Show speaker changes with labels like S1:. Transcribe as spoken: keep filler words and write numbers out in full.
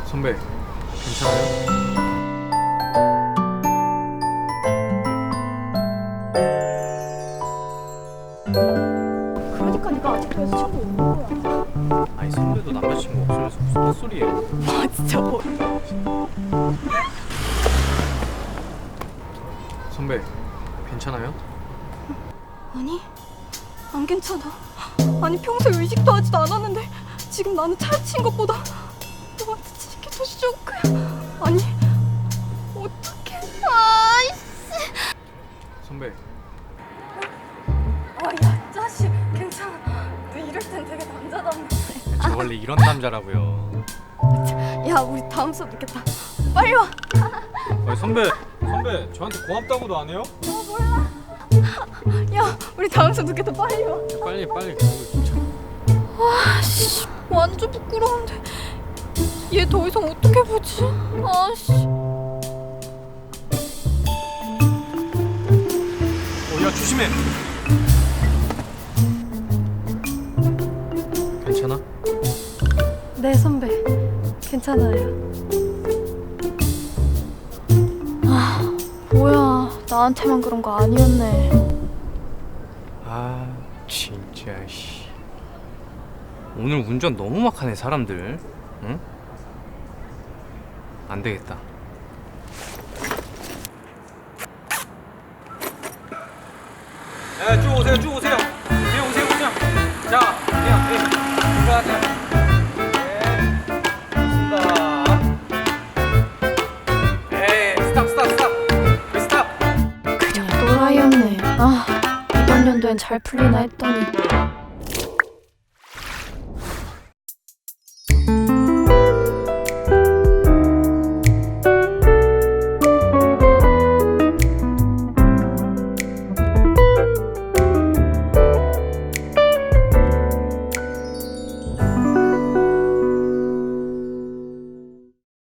S1: 선배, 괜찮아요?
S2: 그러니까 네가 아직도 여자친구 있는 거야.
S1: 아니 선배도 남자친구 없으면서 무슨 헛소리예요?
S2: 아 진짜 뭐.
S1: 선배, 괜찮아요?
S2: 아니 안 괜찮아. 아니 평소에 의식도 하지도 않았는데 지금 나는 차친 것보다 너한테 치는 게 더 쇼크야. 아니 어떡해. 아이씨.
S1: 선배,
S2: 아야 자식 괜찮아. 너 이럴 땐 되게 남자답네.
S1: 저 원래 이런 남자라고요.
S2: 야 우리 다음 수업 있겠다. 빨리 와.
S1: 아니 선배, 선배 저한테 고맙다고도 안 해요?
S2: 어 몰라. 야 우리 다음 수업 있겠다. 빨리 와.
S1: 빨리 빨리 그거 진짜.
S2: 아씨 완전 부끄러운데 얘 더 이상 어떻게 보지? 아씨.
S1: 어, 야 조심해. 괜찮아?
S2: 네 선배 괜찮아요. 아 뭐야 나한테만 그런 거 아니었네.
S1: 아 진짜 씨. 오늘 운전 너무 막하네 사람들. 응? 안 되겠다. 네, 쭉 오세요, 쭉 오세요. 그냥 오세요, 그냥. 자, 그냥, 네, 들어가세요. 네, 좋습니다. 에이, 스탑, 스탑, 스탑. 왜 스탑?
S2: 그냥 또라이였네. 아 이번 연도엔 잘 풀리나 했더니